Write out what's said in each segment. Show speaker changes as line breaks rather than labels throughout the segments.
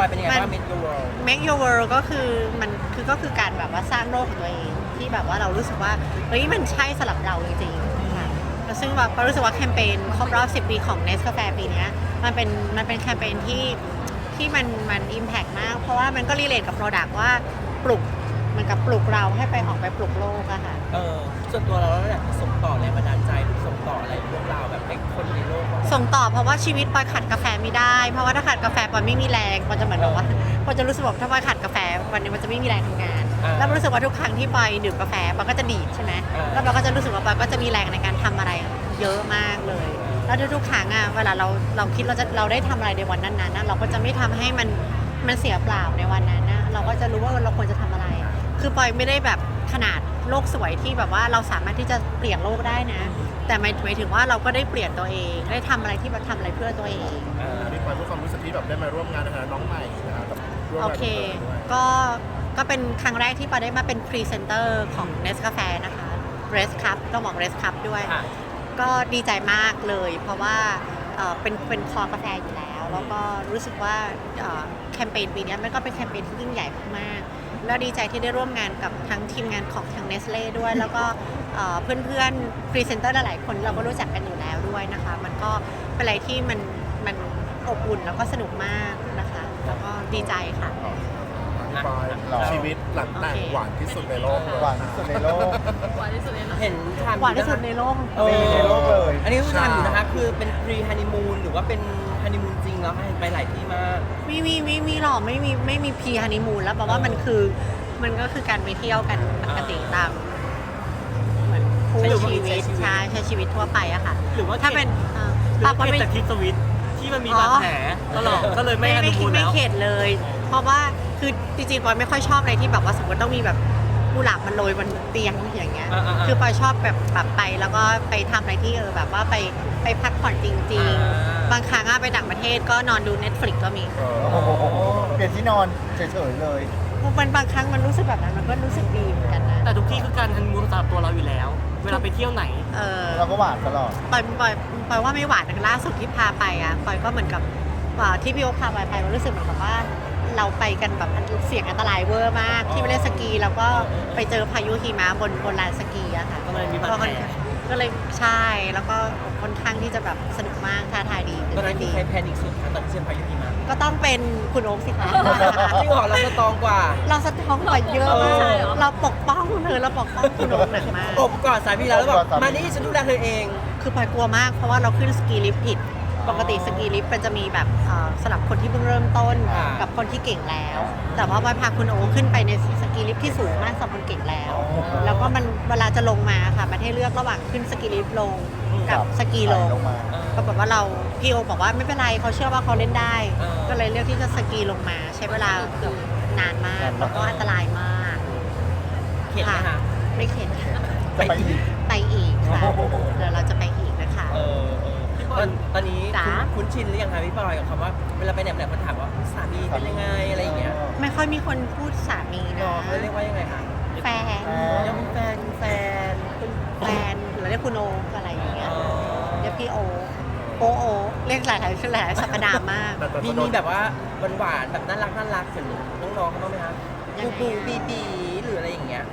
อยเป็นยังไงบ้าง Make Your World
Make Your World ก็คือการแบบว่าสร้างโลกของตัวเองที่แบบว่าเรารู้สึกว่าเฮ้ยมันใช่สำหรับเราจริงๆค่ะแล้วซึ่งแบบเรารู้สึกว่าแคมเปญครบรอบ10 ปีของ Nescafe ปีนี้มันเป็นแคมเปญที่มัน impact มากเพราะว่ามันก็รีเลทกับ Product ว่าปลุกมันกับปลุกเราให้ไปออกไปปลุกโลกอะค่ะ
ส่วนตัวเราอยากส่งต่อแรงบันดาลใจหรือส่งต่ออะไรเรื่องราวแบบให้คนในโลก
ส่งต่อเพราะว่าชีวิตปอยขาดกาแฟไม่ได้เพราะว่าถ้าขาดกาแฟปอยไม่มีแรงปอยจะเหมือนแบบว่าปอยจะรู้สึกว่าถ้าปอยขาดกาแฟวันนี้มันจะไม่มีแรงทำงานแล้วรู้สึกว่าทุกครั้งที่ปอยดื่มกาแฟปอยก็จะดีดใช่ไหมแล้วปอยก็จะรู้สึกว่าปอยก็จะมีแรงในการทำอะไรเยอะมากเลยแล้วทุกๆครั้งอะเวลาเราคิดเราได้ทำอะไรในวันนั้นๆเราก็จะไม่ทำให้มันเสียเปล่าในวันนั้นนะเราก็จะรู้ว่าเราควรจะทำอะไรคือปอยไม่ได้แบบขนาดโลกสวยที่แบบว่าเราสามารถที่จะเปลี่ยนโลกได้นะแต่หมายถึงว่าเราก็ได้เปลี่ยนตัวเองได้ทำอะไรที่แบบทำอะไรเพื่อตัวเอง
มีความรู้สึกที่แบบได้มาร่วมงานนะคะน้องใหม่นะครับร่วมาน
โองเคก็เป็นครั้งแรกที่ปาได้มาเป็นพรีเซนเตอร์ของ Nescafe นะคะ Res Cup ต้องบอก Res Cup ด้วยก็ดีใจมากเลยเพราะว่าเป็นคอกาแฟอยู่แล้วแล้วก็รู้สึกว่าแคมเปญปีนี้มันก็เป็นแคมเปญที่ยิ่งใหญ่มากๆแล้วดีใจที่ได้ร่วมงานกับทั้งทีมงานของทาง Nestle ด้วยแล้วก็เพื่อนๆพรีเซนเตอร์หลายๆคนเราก็รู้จักกันอยู่แล้วด้วยนะคะมันก็เป็นอะไรที่มันอบอุ่นแล้วก็สนุกมากนะคะแล้วก็ดีใจค่ะ
ชีวิตหลังแต่งหวานที่สุดในโลกเลย
หวานที่สุดในโลก
เห็นทำ
หวานที่สุดในโลก
ในโลกเลย
อันนี้คือทำอยู่นะคะคือเป็น pre honeymoon หรือว่าเป็น honeymoon จริงแล้วไปหลายที่มาก
ไม่หรอกไม่มีพีฮันนีมูนแล้วเพราะว่ามันก็คือการไปเที่ยวกันปกติตามเหมือนคู่ชีวิตใช้ชีวิตทั่วไปอะค่ะ
หรือว่า
ถ้าเป็น
ปากไม่จากที่สวิตที่มันมีบาดแผลตลอดก็เลยไม่ฮันนีมูนแล้ว
ไม่เข็ดเลย เพราะว่าคือจริงๆปอยไม่ค่อยชอบอะไรที่แบบว่าสมมติต้องมีแบบกุหลาบมันโรยบนเตียงอย่างเงี้ยคือปอยชอบแบบไปแล้วก็ไปทำอะไรที่แบบว่าไปพักผ่อนจริงๆบางครั้งไปต่างประเทศก็นอนดู Netflix ก็มี
เปลี่ยนที่นอนเฉยๆเลย
มันบางครั้งมันรู้สึกแบบนั้นมันก็รู้สึกดีเหมือนกันนะ
แต่ทุกที่คือการฮันนีมูนสำหรับตัวเราอยู่แล้ว เวลาไปเที่ยวไหน
เราก็หวานตลอด
ปอยว่าไม่หวานล่าสุดที่พาไปปอยก็เหมือนกับที่พี่โอ๊คพาไปมันรู้สึกเหมือนกับว่าเราไปกันแบบเสี่ยงอันตรายเวอร์มากที่ไปเล่นสกีแล้วก็ไปเจอพายุหิมะบนลานสกีอะค่ะ
ก็เลยมีบาดแผล
ก็เลยใช่แล้วก็ค่อนข้างที่จะแบบสนุกมากท้าทายดี
ตอนนั้นมีใครแพนิคสุดคะตอนที่เชียร์พายุหิมะ
ก็ต้องเป็นคุณโอ๊คสิคะ
จริงเหรอเราสตรองกว่า
เราสะท้องกว่าเยอะมากเราปกป้องเธอเราปกป้องคุณโอ๊คหนักมาก
อบกอดสามีแล้วบอกมานี่ฉันดูแลเธอเอง
คือปอยกลัวมากเพราะว่าเราขึ้นสกีลิฟต์ผิดปกติสกีลิฟต์มันจะมีแบบสำหรับคนที่เพิ่งเริ่มต้นกับคนที่เก่งแล้ว แต่ว่าปอยพาคุณโอ๊คขึ้นไปในสกีลิฟต์ที่สูงมากสำหรับคนเก่งแล้วแล้วก็มันเวลาจะลงมาค่ะมันให้เลือกระหว่างขึ้นสกีลิฟต์ลงกับสกีลงปรากฏว่าพี่โอบอกว่าไม่เป็นไรเขาเชื่อว่าเขาเล่นได้ ก็เลยเลือกที่จะสกีลงมาใช้เวลาเกือบนานมากแล้วก็อันตรายมาก
เข็ดไหมคะ
ไม่เข็ดค่ะ
จะไปอีก
ไปอีกค่ะเดี๋ยวเราจะไปอีกนะคะ
ตอนนี้
จ๋า
คุ้นชินหรือยังคะพี่บอยกับคำว่าเวลาไปไหนมาถามว่าสามีเป็นยังไงอะไรอย่างเงี้ย
ไม่ค่อยมีคนพูดสามีนะ
เขาเรียกว่ายังไงคะ
แฟน
ยังเป็นแฟน
หรือเรียกคุณโออะไรอย่างเงี้ยเรียกพี่โอโอเรียกหลายชื่อหลายสัปดาห์มาก
มีแบบว่าหวานๆแบบน่ารักเหมือนน้องๆเขาบ้างไหมคะ
ยังไง
ปูบีหรืออะไรอย่างเงี้ย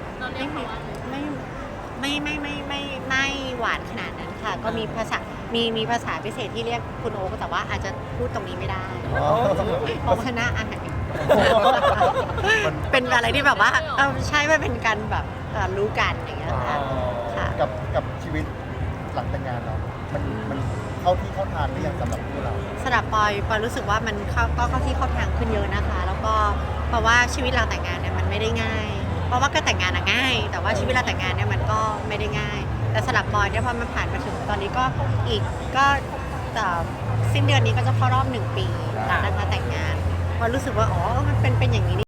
ไม่หวานขนาดนั้นค่ะ ก็มีภาษามีภาษาพิเศษที่เรียกคุณโอแต่ว่าอาจจะพูดตรงนี้ไม่ได้เพราะว่าหน้าอาหารเป็นอะไรที่แบบว่าใช่มันเป็นการแบบรู้กันอย่างเงี้ยค่ะ
กับชีวิตหลังแต่งงานเรา มันเข้าที่เข้าทางหรือยังสำหรับพวกเรา
สำหรับปอยรู้สึกว่ามันเข้าที่เข้าทางขึ้นเยอะนะคะ แล้วก็เพราะว่าชีวิตเราแต่งงานเนี่ยมันไม่ได้ง่าย เพราะว่าก็แต่งงานง่าย แต่ว่าชีวิตเราแต่งงานเนี่ยมันก็ไม่ได้ง่าย แต่สำหรับปอยเนี่ยพอมันผ่านมาถึงตอนนี้ก็อีกก็สิ้นเดือนนี้ก็จะเข้ารอบ1 ปีนะคะแต่งงานพอรู้สึกว่าอ๋อมันเป็นอย่างนี้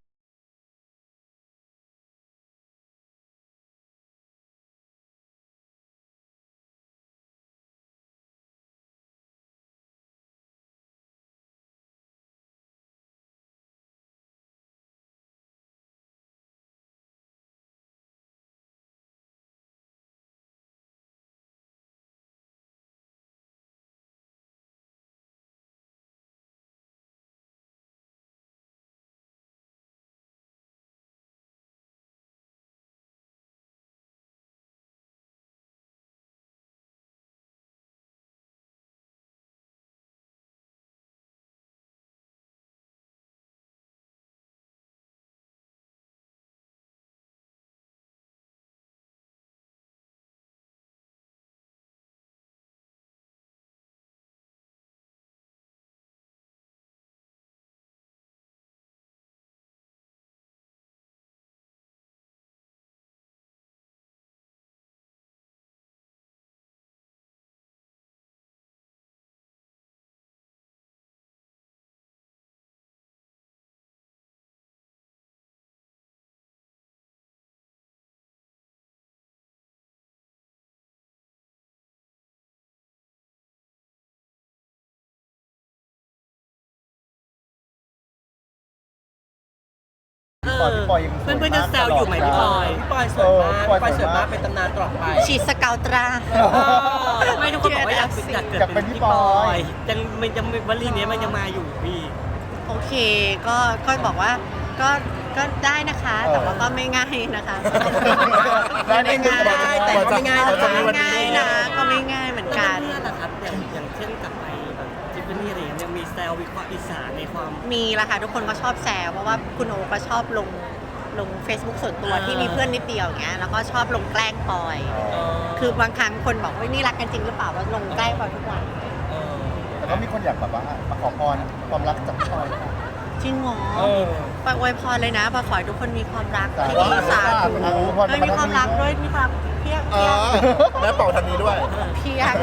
ก่อนพี่ปอยยังสวย
เพื่อนๆยังแซวอยู่ไหมพี่ปอย
พี่ปอยสวยมากพี่ปอยสวยมากเป็นตำนานตลอดไป
ฉีดสเกาตรา
ไม่ทุกคนบอกว่าอยากเกิดเป็นพี่ปอยยังวลีนี้มันยังมาอยู่พี่
โอเคก็บอกว่าก็ได้นะคะ แต่ว่าก็ไม่ง่ายนะคะ
ได้ไม่ง่าย
ได้แต่ก็ไม่ง่าย
ก็
นะ
ไม่ง่ายนะก็ไม่ง่ายเหมือนกัน
เพื่อนๆล่ะครับอย่างเช่นกลับไปแบบทิฟฟานี่อะไรอย่างเงี้ยยังมีแซววิเคราะห์อีสานในความ
มีละค่ะทุกคนก็ชอบแซวเพราะว่าคุณโอก็ชอบลง Facebook ส่วนตัวที่มีเพื่อนนิดเดียวอย่างเงี้ยแล้วก็ชอบลงแกล้งปอย คือบางครั้งคนบอกว่านี่รักกันจริงหรือเปล่าว่าลงแกล้งปอยทุกวัน
แต่ก็มีคนอยากแบบว่ามาขอพรความรักจากพี่ปอยค่ะ
จริงเหรอปอยอวยพรเลยนะปอยขอให้ทุกคนมีความรัก
สาธุ
ที่ดีสาธุ
สาธุ
ไม่มีความรักด้วยมีความเพียง
แม่เป่าทางนี้ด้วย
เพียง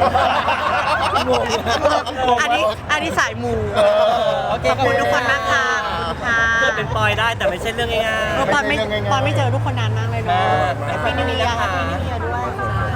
อันนี้สายมู
โอเค
ขอบคุณทุกคนมากค่ะขอบคุณค่ะ
เกิดเป็นปอยได้แต่ไม่ใช่เรื่องง่าย
ปอนไม่เจอทุกคนนานมากเลยด้วย
มาก
แฮปปี้นิวเยียร์แฮปปี้นิวเยียร์ด้วยค่ะ